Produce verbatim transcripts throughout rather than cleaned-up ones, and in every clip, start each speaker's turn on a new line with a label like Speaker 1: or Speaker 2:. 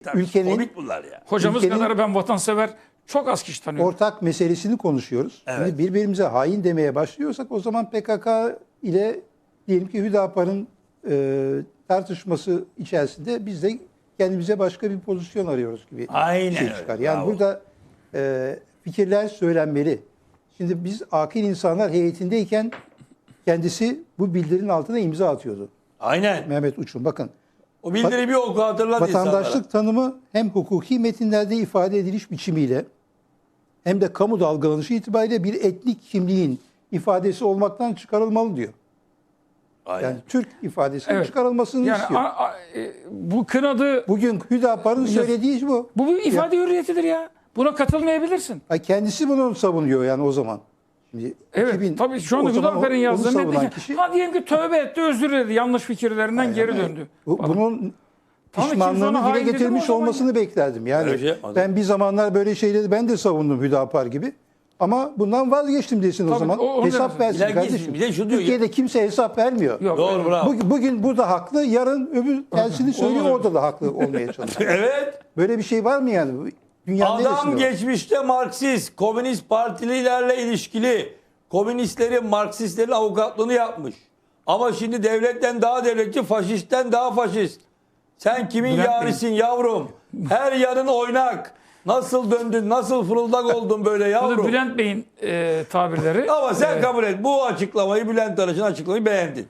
Speaker 1: Tabii,
Speaker 2: ülkenin
Speaker 1: komik bunlar ya.
Speaker 3: Hocamız
Speaker 2: ülkenin
Speaker 3: kadar ben vatansever çok az kişi tanıyorum.
Speaker 2: ortak meselesini konuşuyoruz.
Speaker 1: Evet.
Speaker 2: Şimdi birbirimize hain demeye başlıyorsak o zaman P K K ile diyelim ki Hüdapar'ın e, tartışması içerisinde biz de kendimize başka bir pozisyon arıyoruz gibi
Speaker 1: Aynen
Speaker 2: bir şey
Speaker 1: öyle,
Speaker 2: çıkar. Yani
Speaker 1: bravo.
Speaker 2: burada e, fikirler söylenmeli. Şimdi biz akil insanlar heyetindeyken kendisi bu bildirinin altına imza atıyordu.
Speaker 1: Aynen.
Speaker 2: Mehmet Uçun bakın.
Speaker 1: O bildiri bir oku hatırlat
Speaker 2: Vatandaşlık
Speaker 1: insanlara.
Speaker 2: tanımı hem hukuki metinlerde ifade ediliş biçimiyle hem de kamu dalgalanışı itibariyle bir etnik kimliğin ifadesi olmaktan çıkarılmalı diyor.
Speaker 1: Aynen.
Speaker 2: Yani Türk ifadesinin
Speaker 3: Evet.
Speaker 2: çıkarılmasını
Speaker 3: Yani
Speaker 2: istiyor.
Speaker 3: a- a- e, bu kınadı,
Speaker 2: Bugün Hüdapar'ın söylediği bu.
Speaker 3: bu bir ifade hürriyetidir ya. Buna katılmayabilirsin.
Speaker 2: Ay kendisi bunu savunuyor yani o zaman. Şimdi
Speaker 3: Evet,
Speaker 2: iki bin
Speaker 3: tabii şu anda
Speaker 2: o zaman
Speaker 3: Hüdapar'ın
Speaker 2: onu
Speaker 3: yazdığını
Speaker 2: savunan
Speaker 3: dedi ki,
Speaker 2: kişi-
Speaker 3: ha diyelim ki tövbe etti, özür diledi, yanlış fikirlerinden geri döndü.
Speaker 2: Bu,
Speaker 3: falan.
Speaker 2: bunun
Speaker 3: Tamam, kimse
Speaker 2: pişmanlığını
Speaker 3: ona
Speaker 2: dile
Speaker 3: hain dedi mi
Speaker 2: getirmiş
Speaker 3: o zaman
Speaker 2: olmasını beklerdim. Yani
Speaker 1: Öyle şey yapmadı.
Speaker 2: ben bir zamanlar böyle şeyleri ben de savundum Hüdapar gibi. Ama bundan vazgeçtim desin o
Speaker 3: Tabii,
Speaker 2: zaman.
Speaker 3: o- onu
Speaker 2: hesap
Speaker 3: demezsin.
Speaker 2: versin
Speaker 1: Bir de-
Speaker 2: kardeşim.
Speaker 1: bir de şu diyor-
Speaker 2: Türkiye'de kimse hesap vermiyor.
Speaker 3: Yok,
Speaker 1: Doğru,
Speaker 3: evet.
Speaker 1: bravo.
Speaker 2: Bugün, bugün burada haklı, yarın öbür tersini söylüyor,
Speaker 3: Olmaz.
Speaker 2: orada da haklı olmaya çalışıyor.
Speaker 1: Evet.
Speaker 2: Böyle bir şey var mı yani? Dünyanın
Speaker 1: Adam
Speaker 2: neresinde var?
Speaker 1: geçmişte Marksist, komünist partililerle ilişkili, komünistlerin, Marksistlerin avukatlığını yapmış. Ama şimdi devletten daha devletçi, faşistten daha faşist. Sen kimin
Speaker 3: Bülent Bey.
Speaker 1: yarisin yavrum? Her yanın oynak. Nasıl döndün, nasıl fırıldak oldun böyle
Speaker 3: Bu da
Speaker 1: yavrum?
Speaker 3: Bülent Bey'in e, tabirleri.
Speaker 1: Ama sen
Speaker 3: e,
Speaker 1: kabul et. Bu açıklamayı, Bülent Arınç'ın açıklamayı beğendin.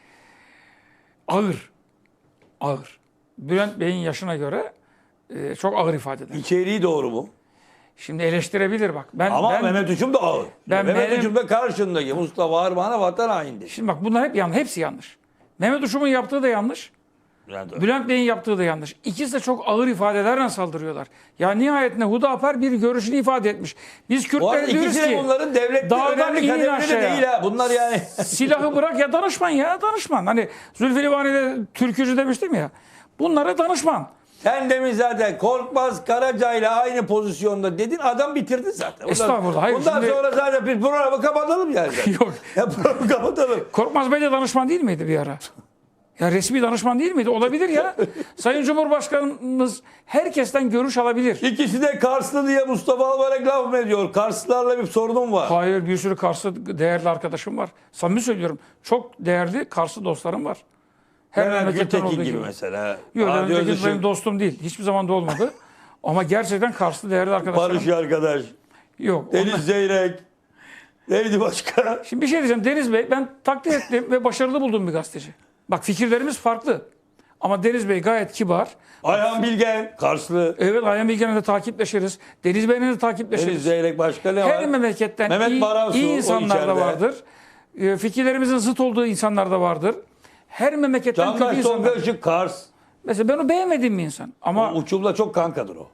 Speaker 3: ağır. Ağır. Bülent Bey'in yaşına göre e, çok ağır ifadeler.
Speaker 1: İçeriği doğru mu?
Speaker 3: Şimdi eleştirebilir bak. Ben,
Speaker 1: Ama
Speaker 3: ben,
Speaker 1: Mehmet Uçum da ağır.
Speaker 3: ben
Speaker 1: Mehmet
Speaker 3: benim-
Speaker 1: Uçum da karşındaki Mustafa Armağan'a vatan haindi.
Speaker 3: Şimdi bak bunlar hep yanlış. Hepsi yanlış. Mehmet Uşum'un yaptığı da yanlış.
Speaker 1: Bülent Arınç.
Speaker 3: Bülent Bey'in yaptığı da yanlış. İkisi de çok ağır ifadelerle saldırıyorlar. Ya nihayetinde Hüdapar bir görüşünü ifade etmiş. Biz
Speaker 1: Bu arada
Speaker 3: Kürtler diyoruz
Speaker 1: ikisi de
Speaker 3: ki
Speaker 1: bunların devlette
Speaker 3: dağdan
Speaker 1: önemli
Speaker 3: inin
Speaker 1: kademeli de
Speaker 3: aşağıya.
Speaker 1: değil ha. Bunlar yani.
Speaker 3: silahı bırak ya danışman ya danışman. Hani Zülfü Livaneli'de türkücü demiştim ya. Bunlara danışman.
Speaker 1: Sen demin zaten Korkmaz Karaca ile aynı pozisyonda dedin, adam bitirdi zaten. Bundan-
Speaker 3: Estağfurullah, hayır,
Speaker 1: Bundan
Speaker 3: şimdi-
Speaker 1: sonra zaten biz programı kapatalım yani.
Speaker 3: Yok.
Speaker 1: Ya programı kapatalım.
Speaker 3: Korkmaz Bey de danışman değil miydi bir ara? Ya resmi danışman değil miydi? Olabilir ya. Sayın Cumhurbaşkanımız herkesten görüş alabilir.
Speaker 1: İkisi de Karslı diye Mustafa Albayrak laf mı ediyor? Karslılarla bir sorunum var.
Speaker 3: Hayır, bir sürü Karslı değerli arkadaşım var. Samimi söylüyorum. Çok değerli Karslı dostlarım var. Her
Speaker 1: Mehmet
Speaker 3: memleketten
Speaker 1: Gültekin
Speaker 3: olduğu
Speaker 1: gibi
Speaker 3: gibi.
Speaker 1: mesela.
Speaker 3: Yok,
Speaker 1: Adi
Speaker 3: Mehmet Gültekin
Speaker 1: Özışık,
Speaker 3: benim dostum değil. Hiçbir zaman da olmadı. Ama gerçekten Karslı değerli arkadaşlarım.
Speaker 1: Barış arkadaş.
Speaker 3: Yok.
Speaker 1: Deniz
Speaker 3: onlar-
Speaker 1: Zeyrek. Neydi başka?
Speaker 3: Şimdi bir şey diyeceğim. Deniz Bey, ben takdir ettim ve başarılı bulduğum bir gazeteci. Bak fikirlerimiz farklı. Ama Deniz Bey gayet kibar.
Speaker 1: Ayhan Bilgen. Karslı.
Speaker 3: Evet, Ayhan Bilgen'le de takipleşiriz. Deniz Bey'le de takipleşiriz.
Speaker 1: Deniz Zeyrek başka ne var?
Speaker 3: Her memleketten
Speaker 1: Mehmet
Speaker 3: iyi,
Speaker 1: Baransu,
Speaker 3: iyi
Speaker 1: o
Speaker 3: insanlar da
Speaker 1: içeride.
Speaker 3: vardır. E, fikirlerimizin zıt olduğu insanlar da vardır. Her memleketten kötü
Speaker 1: Candaş
Speaker 3: insanlar.
Speaker 1: Tolga Kars.
Speaker 3: Mesela ben o beğenmediğim bir insan. Ama
Speaker 1: O uçumla çok kankadır o.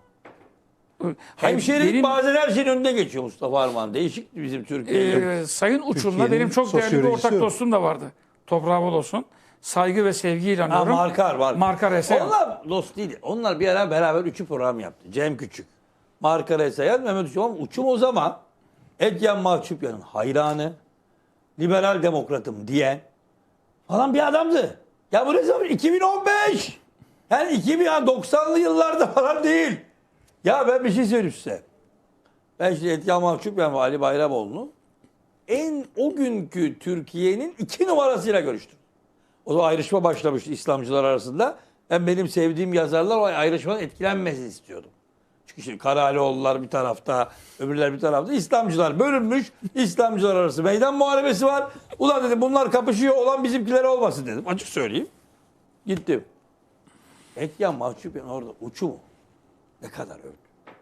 Speaker 3: hayır,
Speaker 1: Hemşerilik
Speaker 3: benim,
Speaker 1: bazen her şeyin önünde geçiyor Mustafa Arman. Değişik bizim Türkiye'de.
Speaker 3: e, Sayın Uçum'la
Speaker 2: Türkiye'nin
Speaker 3: benim çok değerli bir
Speaker 2: sosyolojisi
Speaker 3: ortak
Speaker 2: o.
Speaker 3: dostum da vardı. Toprağı bol olsun. Saygı ve sevgiyle
Speaker 1: Ha,
Speaker 3: anıyorum.
Speaker 1: Markar var.
Speaker 3: Markar Esayan.
Speaker 1: Onlar dost değil. Onlar bir ara beraber üçü program yaptı. Cem Küçük, Markar Esayan, Mehmet Uçum. Ama Uçum o zaman Etyen Mahçupyan'ın hayranı, liberal demokratım diyen falan bir adamdı. Ya bu ne zaman? iki bin on beş. Yani iki bin doksanlı yıllarda falan değil. Ya ben bir şey söyleyeyim size. Ben şimdi Etyen Mahçupyan ve Ali Bayramoğlu'nu en o günkü Türkiye'nin iki numarasıyla görüştüm. O zaman ayrışma başlamıştı İslamcılar arasında. Ben benim sevdiğim yazarlar o ayrışmadan etkilenmesini istiyordum. Çünkü şimdi Karalioğullar bir tarafta, öbürler bir tarafta. İslamcılar bölünmüş. İslamcılar arası meydan muharebesi var. Ulan dedim bunlar kapışıyor, olan bizimkiler olmasın dedim. Açık söyleyeyim. Gittim. Etyen Mahçupyan orada uçu mu? Ne kadar övdü.